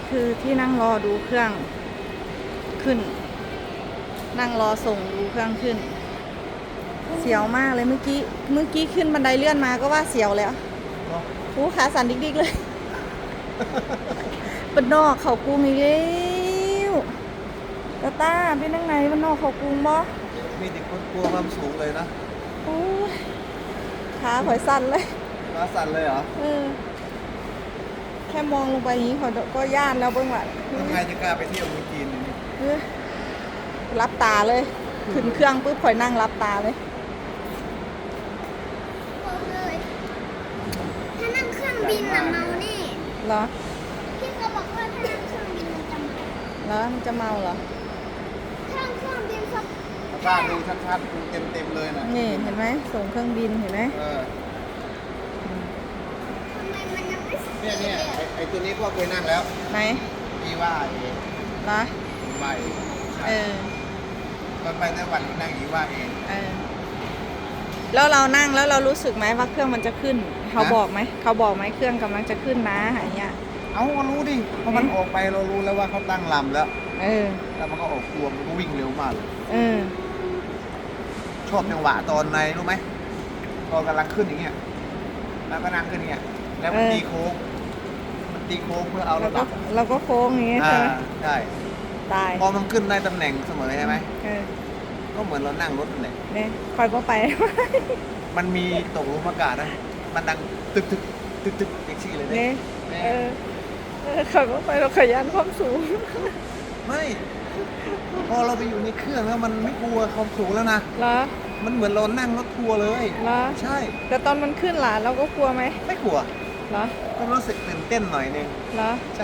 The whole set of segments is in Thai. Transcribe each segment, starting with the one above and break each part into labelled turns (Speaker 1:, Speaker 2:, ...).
Speaker 1: คือที่นั่งรอดูเครื่องขึ้น นั่งรอส่งดูเครื่องขึ้น เสียวมากเลยเมื่อกี้ขึ้นบันไดเลื่อนมาก็ว่าเสียวแล้วหูขาสั่นดิกๆเลยเป็นนอกเขากรุงอีกแล้วตาเป็นยังไงเป็นนอกเขากรุงบ่
Speaker 2: มีเด็กคนกลัวความสูงเลยนะ
Speaker 1: โอ้ยขาข่อยสั่นเลย
Speaker 2: มาสั่นเลยเหรอ
Speaker 1: แค่มองลงไปอย่างนี้ข่อยก็ย่านแล้วเบิ่งว่า
Speaker 2: ทำไงจะกล้าไปเที่ยวเมืองจีนอย่างนี้
Speaker 1: รับตาเลยขึ้นเครื่องปุ๊บข่อยนั่งรับตาเลย
Speaker 3: บอกเลยถ้านั่งเครื่องบินน่ะเมาแน่
Speaker 1: เหรอ
Speaker 3: พี่เขาบอกว่าถ้านั่งเครื่องบินมันจะเมา
Speaker 1: แล้วมันจะเมาเหรอ
Speaker 3: ถ้านั่งเครื่องบินสัก
Speaker 2: บ้านดูชัดๆดูเต็มๆเลยนะ
Speaker 1: นี่เห็นไหมส่งเครื่องบินเห็นไหม
Speaker 3: ทำไมมันยังไม่สุด
Speaker 2: เนี่ยไอ้ตัวนี้พ่อเคยนั่งแล้ว
Speaker 1: ไหน
Speaker 2: พี่ว่าเอง
Speaker 1: เหรอ
Speaker 2: ไป
Speaker 1: เออ
Speaker 2: ตอนไปไต้หวันนั่งอีว่าเอง
Speaker 1: แล้วเรานั่งแล้วเรารู้สึกไหมว่าเครื่องมันจะขึ้น เขาบอกไหมเครื่องกำลังจะขึ้นนะอย่างเงี้ย
Speaker 2: เอาก็รู้ดิเพราะมันออกไปเรารู้แล้วว่าเขาตั้งลำแล้ว
Speaker 1: เออ
Speaker 2: แล้วมันก็ออกตัวมันก็วิ่งเร็วมากเลย
Speaker 1: เออ
Speaker 2: ชอบจังหวะตอนในรู้ไหมพอกำลังขึ้นอย่างเงี้ยแล้วก็นั่งขึ้นอย่างเงี้ยแล้วมันตีโค้งเพื่อเอา
Speaker 1: เรา
Speaker 2: ระ
Speaker 1: ก็
Speaker 2: ดับ
Speaker 1: เราก็โค้งอย่างเงี้ยใช่ไหม
Speaker 2: ใช่
Speaker 1: ตาย
Speaker 2: พอมันขึ้นได้ตำแหน่งเสมอใช่ไหม
Speaker 1: เออ
Speaker 2: ก็เหมือนเรานั่งรถนั่นแหละ
Speaker 1: เนี่ยคอยบ่ไป
Speaker 2: มันมีตกหลุมอากาศนะมันดังตึกแท็กซี่เลย
Speaker 1: เนี่
Speaker 2: เนี่ย ย
Speaker 1: คอยบ่ไปเราขยันความสูง
Speaker 2: ไม่พอเราไปอยู่ในเครื่องแล้วมันไม่กลัวความสูงแล้วนะ
Speaker 1: เหรอ
Speaker 2: มันเหมือนเรานั่งรถทัวร์เลย
Speaker 1: เหรอ
Speaker 2: ใช่
Speaker 1: แต่ตอนมันขึ้นล่ะเราก็กลัวไหม
Speaker 2: ไม่กลัว
Speaker 1: เหรอ
Speaker 2: ก็รู้สึกตื่นเต้นหน่อยนึง
Speaker 1: เหรอ
Speaker 2: ใช่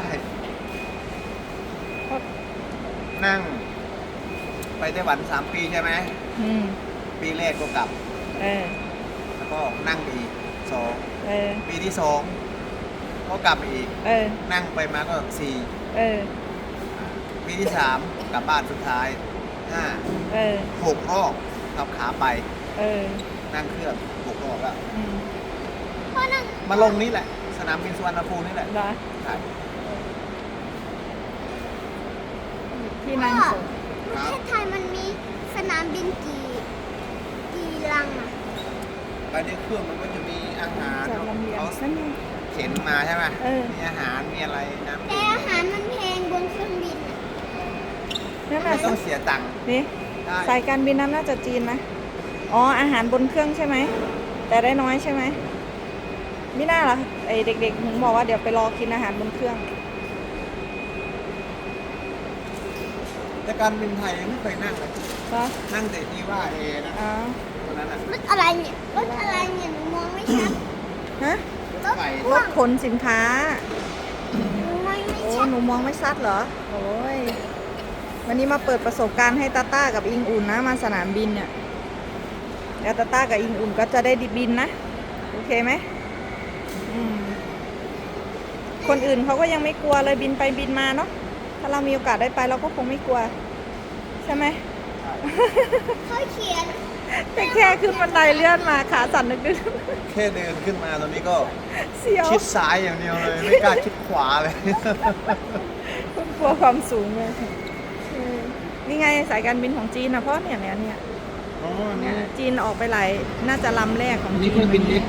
Speaker 1: เพราะ
Speaker 2: นั่ง ไปไต้หวัน3 ปีใช่ไหม
Speaker 1: อืม
Speaker 2: ปีแรกก็กลับ
Speaker 1: เออ
Speaker 2: แล้วก็นั่งไปอีก2
Speaker 1: เออ
Speaker 2: ปีที่2ก็กลับไปอีก
Speaker 1: เออ
Speaker 2: นั่งไปมาก็
Speaker 1: เออ
Speaker 2: 4 ปีที่3กลับบ้านสุดท้าย5
Speaker 1: เออ
Speaker 2: 6 รอบขับขาไป
Speaker 1: เออ
Speaker 2: นั่งเครื่อง6 รอบแล้ว
Speaker 1: อืม
Speaker 3: เพราะนั่ง
Speaker 2: มาลงนี่แหละ สนามบินสุวรรณภูมินี่แหละ
Speaker 1: เหรอ
Speaker 2: ใช่
Speaker 1: ที่นั่งส่ง
Speaker 3: ประเทศไทยมันมีสนามบินกี่ลังอ่ะ
Speaker 2: ไปในเครื่องมันก็จะมีอาหาร
Speaker 1: จากลำเลียง
Speaker 2: เขา
Speaker 1: นั่นไง
Speaker 2: เข็นมาใช่ไหม
Speaker 1: เออ
Speaker 2: มีอาหารมีอะไรน้ำ
Speaker 3: แต่อาหารมันแพงบนเครื่องบินอ่ะ
Speaker 1: นั่น
Speaker 2: ไม่
Speaker 1: น่ะ
Speaker 2: ต้องเสียตังค์
Speaker 1: นี่
Speaker 2: ได้
Speaker 1: สายการบินนั้นน่าจะจีนนะ อ๋อ อาหารบนเครื่องใช่ไหม แต่ได้น้อยใช่ไหมไม่น่าล่ะไอเด็กๆถึงบอกว่าเดี๋ยวไปรอกินอาหารบนเครื่อง
Speaker 2: แต่การบินไทยยังไม่เคยนั่งเลย
Speaker 1: ก็
Speaker 2: นั่งแต่ที่ว่าเอนะ
Speaker 1: อ๋อ
Speaker 2: ตัวนั้นอ่ะ
Speaker 3: รถอะไรเนี่ยรถอะไรเนี่ยหนูมองไม่ชัด
Speaker 1: ฮะ
Speaker 3: รถ
Speaker 2: ไฟ
Speaker 1: รถขนสินค้า
Speaker 3: หนูมองไม่
Speaker 1: โอ้
Speaker 3: ชัด
Speaker 1: หนูมองไม่ชัดเหรอ โอ้ย วันนี้มาเปิดประสบการณ์ให้ตาต้ากับอิงอุ่นนะมาสนามบินเนี่ยแล้วตาต้ากับอิงอุ่นก็จะได้บินนะ โอเคไหมอืมคนอื่นเขาก็ยังไม่กลัวเลยบินไปบินมาเนาะ ถ้าเรามีโอกาสได้ไปเราก็คงไม่กลัว ใช่ไหม
Speaker 3: เขาเขียน
Speaker 1: แต่แค่ขึ้นบันไดเลื่อนมาขาสั่นนึก
Speaker 2: แค่เดินขึ้นมาตอนนี้ก็
Speaker 1: ๆเสียว
Speaker 2: ชิดซ้ายอย่างเดียวเลย ไม่กล้าชิดขวาเลย
Speaker 1: กลัวความสูงเลยนี่ไงสายการบินของจีนนะเพราะเนี่ย
Speaker 2: อ๋อนี่
Speaker 1: จีนออกไปหลายน่าจะลำแรกของจี
Speaker 2: นี่
Speaker 1: น
Speaker 2: เครื่องบินเล็กเอง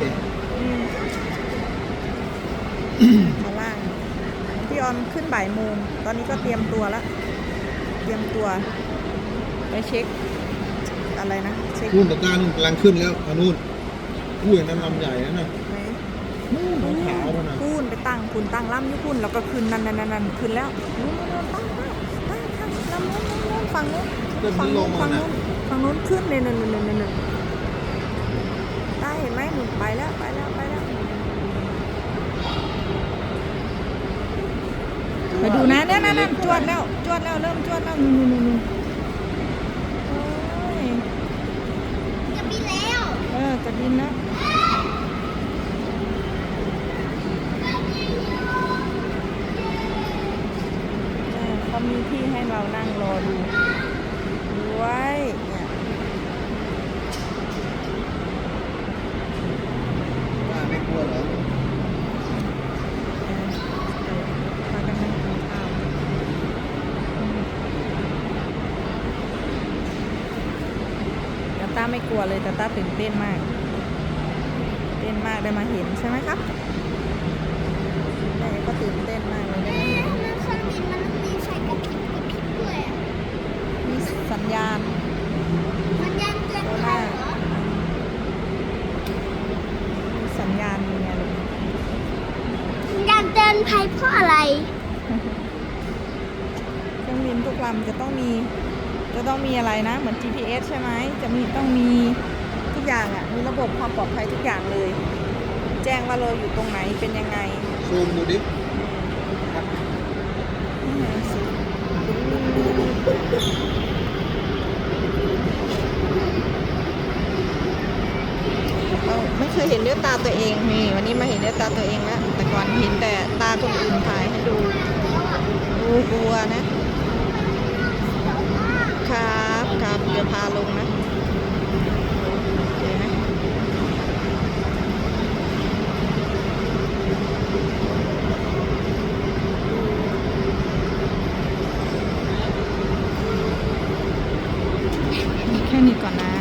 Speaker 1: ข้างล่างพี่ออนขึ้นบ่ายโมงตอนนี้ก็เตรียมตัวแล้ว เตรียมตัวไปเช็คอะไรนะเช็ค
Speaker 2: นู่นตะกร้านู่นกำลังขึ้นแล้วเอานู่นอุ้ยนั่นลำใหญ่นะน่ะ
Speaker 1: ไหน
Speaker 2: นู่นขาวๆนะ
Speaker 1: พูนไปตั้งคุณตั้งล่ำอยู่คุณแล้วก็ขึ้นนั่นขึ้นแล้วนู่นตั้งลำนู้นฝั่งนู้น
Speaker 2: เริ่มมันลงมาน่ะ
Speaker 1: ฝั่งนู้นขึ้นเลยนั่นได้เห็นไหมหนุนไปแล้วมาดูนะนั่นจวดแล้วเริ่มจวดแล้วนู่นโอ้ย
Speaker 3: จะบินแล้ว
Speaker 1: จะบินแล้วเขามีที่ให้เรานั่งรอดูด้วยเนี่ย
Speaker 2: ไม่กลัวเหรอ
Speaker 1: พากันนั่งกินข้าวไม่กลัวเลยตาต้าตื่นเต้นมากเต้นมากได้มาเห็นใช่ไหมครับแม่ก็ตื่นเต้นมากเลยได้มาเห็น
Speaker 3: ทำไมเครื่องบินมันมีไฟกระพริบด้วยอะ
Speaker 1: มีสัญญาณ
Speaker 3: มันยังเตือนภัยเหรอ
Speaker 1: มีสัญญาณยังไงลูก
Speaker 3: มันยังเตือนภัยเพราะอะไร
Speaker 1: เครื่องบินทุกลำจะต้องมีอะไรนะเหมือน GPS ใช่ไหมต้องมีทุกอย่างอ่ะมีระบบความปลอดภัยทุกอย่างเลย แจ้งว่าเราอยู่ตรงไหนเป็นยังไง
Speaker 2: ซูมดูดิ
Speaker 1: นี่ไงสิเราไม่เคยเห็นด้วยตาตัวเองนี่วันนี้มาเห็นด้วยตาตัวเองแล้วแต่ก่อนเห็นแต่ตาคนอื่นถ่ายให้ดูกลัวนะครับเดี๋ยวพาลงนะโอเคไหมแค่นี้ก่อนนะ